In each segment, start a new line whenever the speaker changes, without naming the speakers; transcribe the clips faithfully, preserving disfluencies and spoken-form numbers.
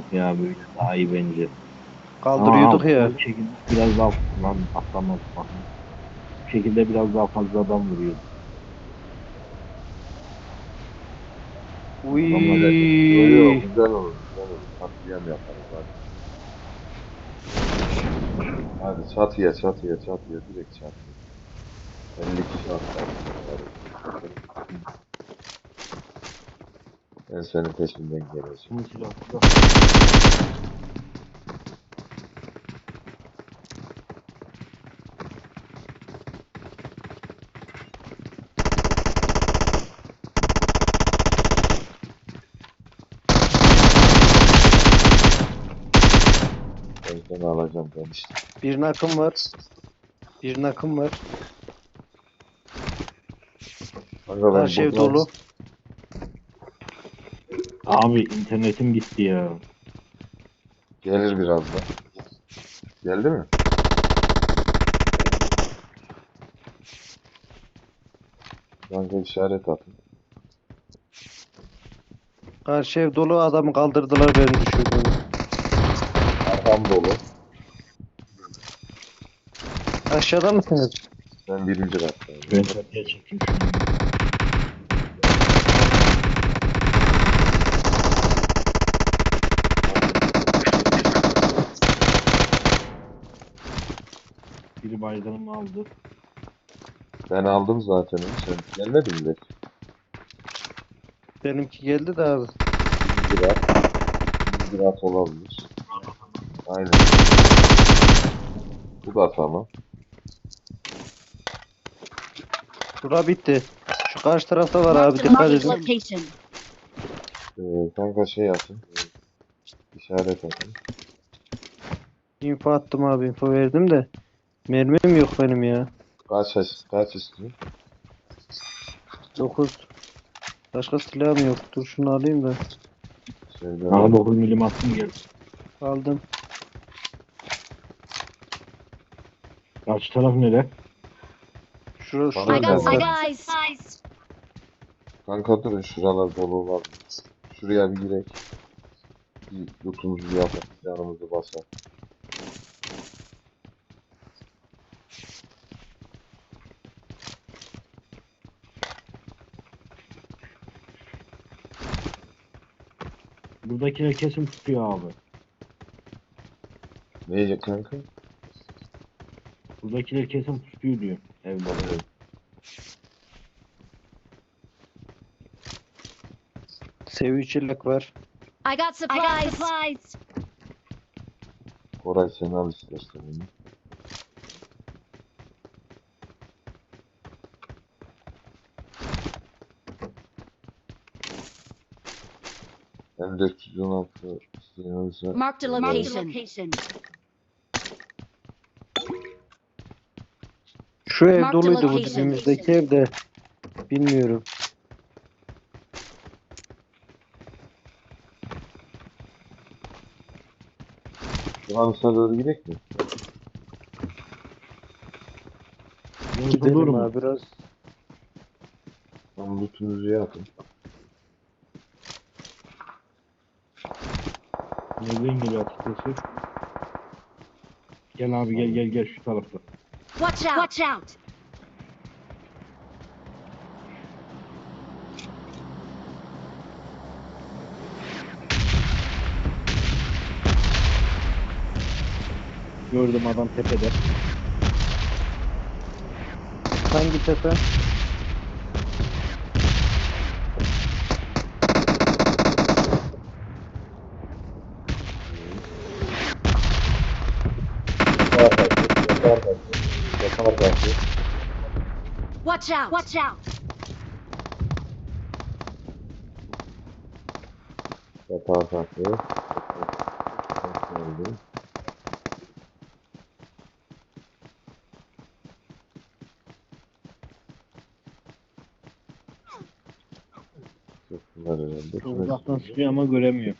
yok ya, böyle daha iyi bence.
Kaldırıyorduk
Aa,
ya.
bu şekilde biraz daha lan atlamaz bakın. Bu şekilde biraz daha fazla adam vuruyor. Adamlar
Yo yo,
Uy.
güzel olur güzel olur. Katliam yaparız hadi. Hadi çatıya çatıya çatıya direkt çatıya. elli kişi atlarsın bari. Ben senin peşinden geleceğim.
Bu silahlı da.
Ben seni alacağım ben işte.
Bir nakım var. Bir nakım var.
Kanka ben
Karşı ev
buradan
dolu.
Abi internetim gitti ya.
gelir birazdan. Geldi mi? Kanka işaret atın.
Karşı ev dolu, adamı kaldırdılar, beni düşürdü.
Arkam dolu.
Aşağıda mısınız?
Ben birinci kattayım.
Ben çatıya çekeyim şunu. Biri baygınımı aldı.
Ben aldım zaten onu. Sen gelmedin mi?
Benimki geldi de abi.
Birinci kat. Birinci kat olabilir. Aynen. Bu da tamam.
Bura bitti. Şu karşı tarafta var abi,
Marked a
dikkat
marked
edin.
location.
Ee, kanka şey atın. İşaret atın.
Info attım abi, info verdim de. Mermim yok benim ya.
Kaç, kaç istiyor?
dokuz. Başka silahım yok. Dur şunu alayım da.
Şeyde
Bana dokuz milim attım gel.
Aldım.
Karşı taraf nere?
Şurası
Bana
I
şurada.
got
da var.
supplies.
Kanka durun şuralar dolu olabilir. Şuraya bir girek. Bir lootumuzu bir yapalım. Yanımızı basalım.
Buradakiler kesin tutuyor abi.
Ne yiyecek kanka?
Buradakiler kesin tutuyor diyor. Evde.
Evet.
Seviye çelik var.
I got supplies.
Koray sen al istersen onu. M dört yüz on altı isteyenlerse
Marked a location.
Şu ev
Marked
doluydu, bu
location.
dibimizdeki ev de. Bilmiyorum.
şu an üstüne doğru gidek mi?
Yorulur
Gidelim
mu?
abi biraz.
Tam lootunuzu yapın.
Nereden geliyor açıkçası? Gel abi gel gel gel şu tarafta.
Watch out. Watch out.
Gördüm adam tepede.
Hangi tepe?
Yakar kaçtı. Yakar kaçtı. Yakar kaçtı.
Watch out. Watch out.
Yakar kaçtı. Geldi. Çok güzel herhalde.
Çok uzaktan sıkıyor ama göremiyor.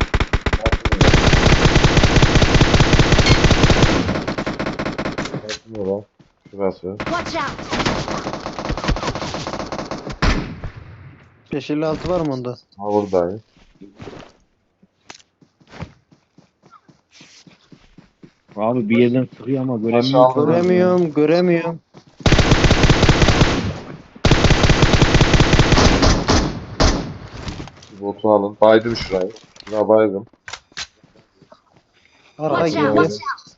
Kaçmıyor lan. Şurası.
Watch out.
beş elli altı var mı onda?
Ha buradayım.
Abi bir yerden sıkıyor ama
Aşağı
göremiyorum.
aldın mı?
Göremiyorum, göremiyorum.
Botu alın. Baydım şurayı. Şuna baydım.
Arka
Watch out!
girdi.
Watch out!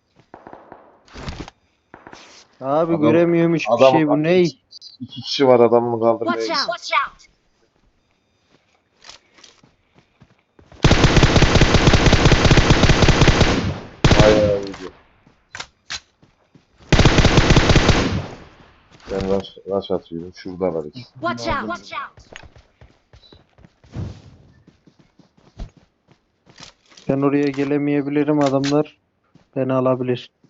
Abi
Adam-
göremiyorum hiçbir
adam-
şey, bu ney?
İki kişi var adamını kaldırmaya
Watch
gidiyor.
out! Watch out!
Bayağı iyiydi. Ben rush, rush atıyorum. Şuradalar ikisi.
Watch out! Watch out!
Ben oraya gelemeyebilirim, adamlar beni alabilir.